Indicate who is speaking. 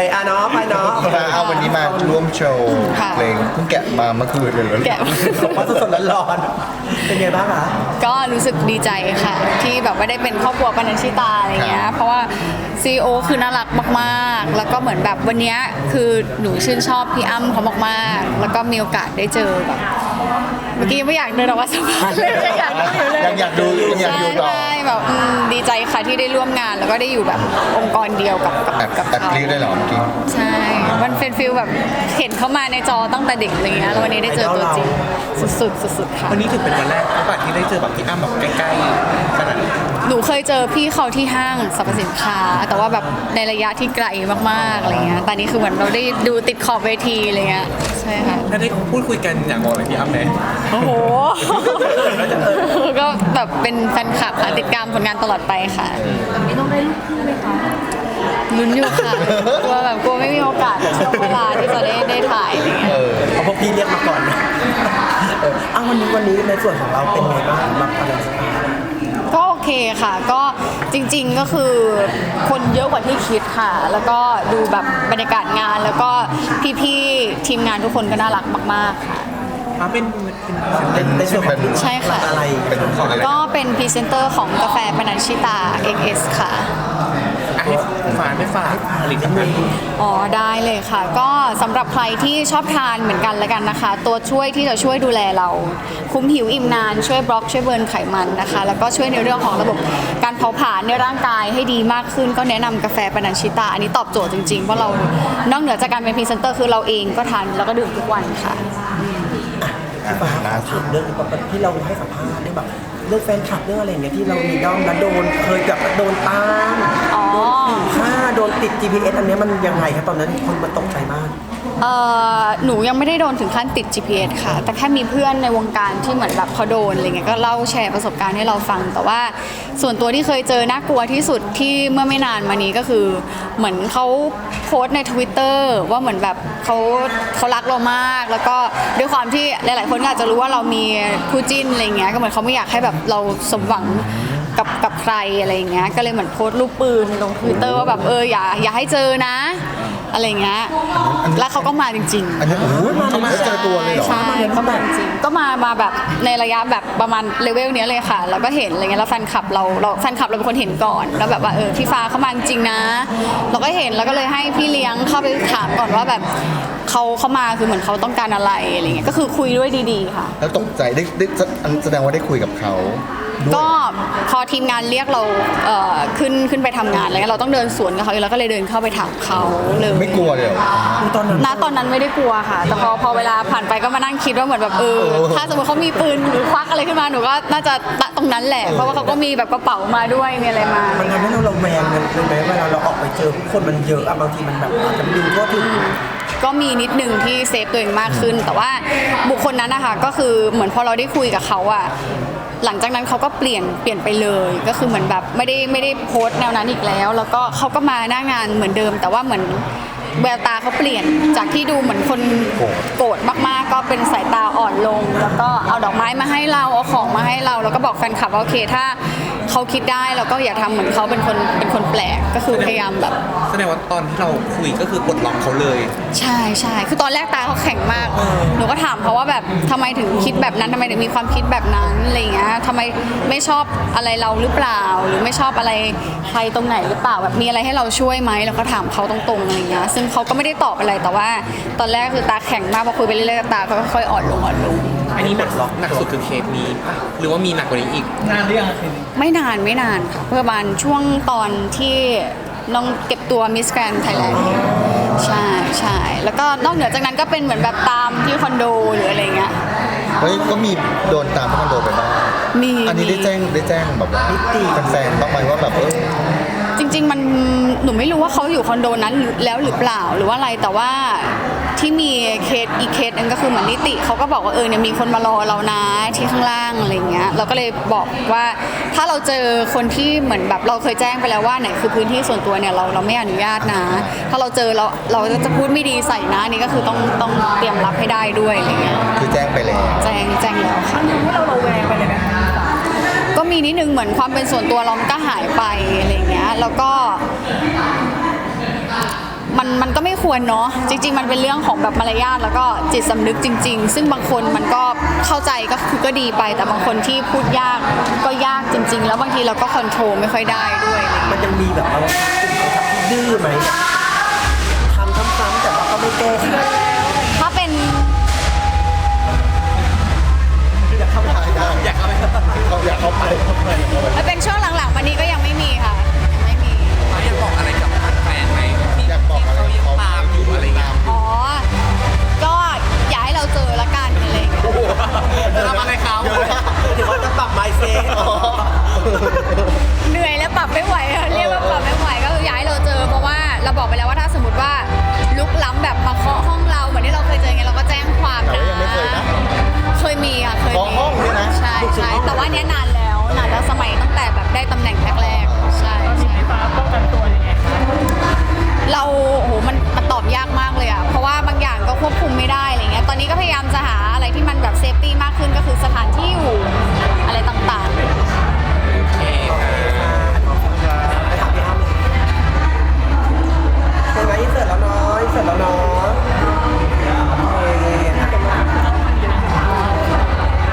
Speaker 1: อ่ะเนาะไปเนาะ
Speaker 2: เอาวันนี้มาร่วมโชว์เพลงเพิ่งแกะมาเมื่อคืนเลย
Speaker 3: แกะ
Speaker 1: ว่าสดๆร้อนๆเป็นไงบ้างคะ
Speaker 3: ก็รู้สึกดีใจค่ะที่แบบว่าได้เป็นครอบครัวปนัญชิตาอะไรเงี้ยเพราะว่าซีโอคือน่ารักมากๆแล้วก็เหมือนแบบวันนี้คือหนูชื่นชอบพี่อ้ำเขามากๆแล้วก็มีโอกาสได้เจอแบบเมื่อกี้ไม่อยากเดินออกมาสัมภาษณ์เลย
Speaker 2: ยังอยากดูต่อ
Speaker 3: ใช่แบบดีใจค่ะที่ได้ร่วมงานแล้วก็ได้อยู่แบบองค์กรเดียวกับ
Speaker 2: แอบกรี๊ดได้หรอเมื่อกี้
Speaker 3: ใช่มันเป็นฟีลแบบเห็นเขามาในจอตั้งแต่เด็กอะไรเงี้ยแล้ววันนี้ได้เจอตัวจริงสุดค่ะ
Speaker 1: วันนี้ถือเป็นวันแรกที่ได้เจอแบบพี่อ้ำแบบใกล้ๆขนาดนี้
Speaker 3: หนูเคยเจอพี่เขาที่ห้างสรรพสินค้าแต่ว่าแบบในระยะที่ไกลมากๆอะไรเงี้ยแต่นี้คือเหมือนเราได้ดูติดขอบเวทีอะไรเงี้ยใช่ค่ะ
Speaker 1: ถ้าได้พูดคุยกันอยากบอกอะไรพี่อ้ำไหม
Speaker 3: โอ้โหก็แบบเป็นแฟนคลับค่ะติดตามผลงานตลอดไปค่ะแบบนี้ต้องได้ลูกคู่ไหมคะลุ้นอยู่ค่ะกลัวไม่มีโอกาสช่วงเวลาที่จะได้ถ่ายอะไรเงี้ย
Speaker 1: เอาพวกพี่เรียกมาก่อนนะวันนี้ในส่วนของเราเป็นไงบ้างสำหรับอะไร
Speaker 3: ก็โอเคค่ะก็จริงๆก็คือคนเยอะกว่าที่คิดค่ะแล้วก็ดูแบบบรรยากาศงานแล้วก็พี่ๆทีมงานทุกคนก็น่ารักมากๆค่ะ
Speaker 1: เป็นในส่วนของ
Speaker 3: ใช่ค่ะ
Speaker 1: อะไร
Speaker 2: เป็นของอะไร
Speaker 3: ก็เป็นพรีเซนเตอร์ของกาแฟปนัญชิตา XS ค่ะ
Speaker 1: ไม่ฝากผลิตภัณฑ์
Speaker 3: อ๋อได้เลยค่ะก็สำหรับใครที่ชอบทานเหมือนกันแล้วกันนะคะตัวช่วยที่จะช่วยดูแลเราคุ้มหิวอิ่มนานช่วยบล็อกช่วยเบิร์นไขมันนะคะแล้วก็ช่วยในเรื่องของระบบการเผาผลาญในร่างกายให้ดีมากขึ้นก็แนะนำกาแฟปนัญชิตาอันนี้ตอบโจทย์จริงๆเพราะเรานอกเหนือจากการเป็นพรีเซนเตอร์คือเราเองก็ทานแล้วก็ดื่มทุกวันค่ะ
Speaker 1: ล่าสุดเรื่องที่เราให้สัมภาษณ์เรื่องแบบเรื่องแฟนคลับเรื่องอะไรอย่างเงี้ยที่เรามีด้อมแล้วเคยกับโดนตามโดนฆ่าโดนติด GPS อันนี้มันยังไงครับตอนนั้นคนมันตกใจมาก
Speaker 3: หนูยังไม่ได้โดนถึงขั้นติด GPS ค่ะแต่แค่มีเพื่อนในวงการที่เหมือนแบบเขาโดนอะไรเงี้ยก็เล่าแชร์ประสบการณ์ให้เราฟังแต่ว่าส่วนตัวที่เคยเจอน่ากลัวที่สุดที่เมื่อไม่นานมานี้ก็คือเหมือนเขาโพสต์ใน Twitter ว่าเหมือนแบบเขารักเรามากแล้วก็ด้วยความที่หลายๆคนก็อาจจะรู้ว่าเรามีคู่จิ้นอะไรเงี้ยก็เหมือนเขาไม่อยากให้แบบเราสมหวังกับใครอะไรเงี้ยก็เลยเหมือนโพสต์รูปปืนลง Twitter ว่าแบบอย่าให้เจอนะอะไรเงี้ยแล้วเขาก็มาจริงๆ
Speaker 2: อันนี้เขามาเจอตัวเลยเหรอ
Speaker 3: ใช่เขามาจริงก็มาแบบในระยะแบบประมาณเลเวลนี้เลยค่ะแล้วก็เห็นอะไรเงี้ยแล้วแฟนคลับเราเป็นคนเห็นก่อนแล้วแบบว่าพี่ฟ้าเขามาจริงนะเราก็เห็นแล้วก็เลยให้พี่เลี้ยงเข้าไปถามก่อนว่าแบบเขามาคือเหมือนเขาต้องการอะไรอะไรเงี้ยก็คือคุยด้วยดีๆค่ะ
Speaker 2: แล้วตกใจได้แสดงว่าได้คุยกับเขา
Speaker 3: ก็พอทีมงานเรียกเราขึ้นไปทำงานแล้วเราต้องเดินสวนกับเขาแล้วก็เลยเดินเข้าไปถามเขาเลย
Speaker 2: ไม่กลัวเลย
Speaker 3: ตอนนั้นไม่ได้กลัวค่ะแต่พอเวลาผ่านไปก็มานั่งคิดว่าเหมือนแบบถ้าสมมติเขามีปืนหรือควักอะไรขึ้นมาหนูก็น่าจะตรงนั้นแหละเพราะว่าเขาก็มีแบบกระเป๋ามาด้วยมีอะไรมา
Speaker 1: มันทำให้เราระแวงเลยไหมเวลาเราออกไปเจอคนมันเยอะบางทีมันแบบอาจจะดูทั่วถึง
Speaker 3: ก็มีนิดนึงที่เซฟตัวเองมากขึ้นแต่ว่าบุคคลนั้นนะคะก็คือเหมือนพอเราได้คุยกับเขาอะหลังจากนั้นเขาก็เปลี่ยนไปเลยก็คือเหมือนแบบไม่ได้โพสต์แนวนั้นอีกแล้วก็เขาก็มาหน้างานเหมือนเดิมแต่ว่าเหมือนแววตาเขาเปลี่ยนจากที่ดูเหมือนคนโกรธมากๆก็เป็นสายตาอ่อนลงแล้วก็เอาดอกไม้มาให้เราเอาของมาให้เราแล้วก็บอกแฟนคลับว่าโอเคถ้าเขาคิดได้เราก็อย่าทำเหมือนเขาเป็นคนแปลกก็คือพยายามแบบ
Speaker 1: แสดงว่าตอนที่เราคุยก็คือกดล็อกเขาเลย
Speaker 3: ใช่คือตอนแรกตาเขาแข็งมากหนูก็ถามเขาว่าแบบทำไมถึงคิดแบบนั้นทำไมถึงมีความคิดแบบนั้นอะไรเงี้ยทำไมไม่ชอบอะไรเราหรือเปล่าหรือไม่ชอบอะไรใครตรงไหนหรือเปล่าแบบมีอะไรให้เราช่วยไหมแล้วก็ถามเขาตรงๆอะไรเงี้ยซึ่งเขาก็ไม่ได้ตอบอะไรแต่ว่าตอนแรกคือตาแข็งมากพอคุยไปเรื่อยๆตาก็ค่อยๆอ่อนลง
Speaker 1: อันนี้หนักสุดคือเคสนี้หรือว่ามีหนักกว่านี้อีกนานหรือยัง
Speaker 3: ไม่นานค่ะประมาณช่วงตอนที่น้องเก็บตัวมิสแกรนด์ไทยแลนด์ใช่แล้วก็นอกเหนือจากนั้นก็เป็นเหมือนแบบตามที่คอนโดหรืออะไรเงี้ย
Speaker 2: ก็มีโดนตามที่คอนโดไปบ้างอันนี้ได้แจ้งแบบว่าแฟนๆบ้างไหมว่าแบบ
Speaker 3: จริงๆมันหนูไม่รู้ว่าเขาอยู่คอนโดนั้นแล้วหรือเปล่าหรือว่าอะไรแต่ว่าที่มีอีกเคสนึงก็คือเหมือนนิติเขาก็บอกว่าเนี่ยมีคนมารอเรานะที่ข้างล่างอะไรเงี้ยเราก็เลยบอกว่าถ้าเราเจอคนที่เหมือนแบบเราเคยแจ้งไปแล้วว่าไหนคือพื้นที่ส่วนตัวเนี่ยเราไม่อนุญาตนะถ้าเราเจอเราจะพูดไม่ดีใส่นะนี่ก็คือต้องเตรียมรับให้ได้ด้วยอะไรเงี้ย
Speaker 2: คือแจ้งไปแล้ว
Speaker 3: แจ้งแล้วค่ะ
Speaker 4: ให้เราระแวงไปเลยไหม
Speaker 3: ก็มีนิดนึงเหมือนความเป็นส่วนตัวเรามันก็หายไปอะไรเงี้ยแล้วก็มันมันก็ไม่ควรเนาะจริงๆมันเป็นเรื่องของแบบมารยาทแล้วก็จิตสำนึกจริงๆซึ่งบางคนมันก็เข้าใจก็คือก็ดีไปแต่บางคนที่พูดยากก็ยากจริงๆแล้วบางทีเราก็คอนโทรลไม่ค่อยได้ด้วยอะไรอย่างเงี้ย
Speaker 1: มันจะมีแบบเราดื้อไหมทำซ้ำๆแต่ว่าก็ไม่แก้ไข
Speaker 3: ถ้าเป็น
Speaker 2: อยากเข้าไป
Speaker 3: ถ้าเป็นช่วงหลังๆวันนี้ก็ยังไม่มีค่ะยังไม่มี
Speaker 4: อยากบอกอะไรกับแฟนไหมที่
Speaker 2: อยากบอกอะไร
Speaker 4: เขายังตามอยู่อะไรเงี้ย
Speaker 3: อ๋อก็อย่าให้เราเจอละกันอะไรอย่างเงี้ย
Speaker 4: จะทำอะไรเขา
Speaker 1: ถือว่าจะปรับ mindset
Speaker 3: เหนื่อยแล้วปรับไม่ไหวอะเรียกว่าปรับไม่ไหวก็คืออย่าให้เราเจอเพราะว่าเราบอกไปแล้วว่าถ้าสมมติว่าลุกล้ำแบบมาเคาะห้องเราเหมือนที่เราเคยเจอไงเราก็แจ้งความ
Speaker 2: แต่
Speaker 3: นะ
Speaker 2: ว่ายังไม่เคยนะ
Speaker 3: เคยมีค่ะเคย
Speaker 2: เคาะ
Speaker 3: มี
Speaker 2: ห้องด้วยนะ
Speaker 3: ใช่ใช่แต่ว่าเนี้ยนานแล้วสมัยตั้งแต่แบบได้ตำแหน่งแรกๆใช่ใช่
Speaker 5: ฟ้าป้องกันตัวยังไงคะ
Speaker 3: เรา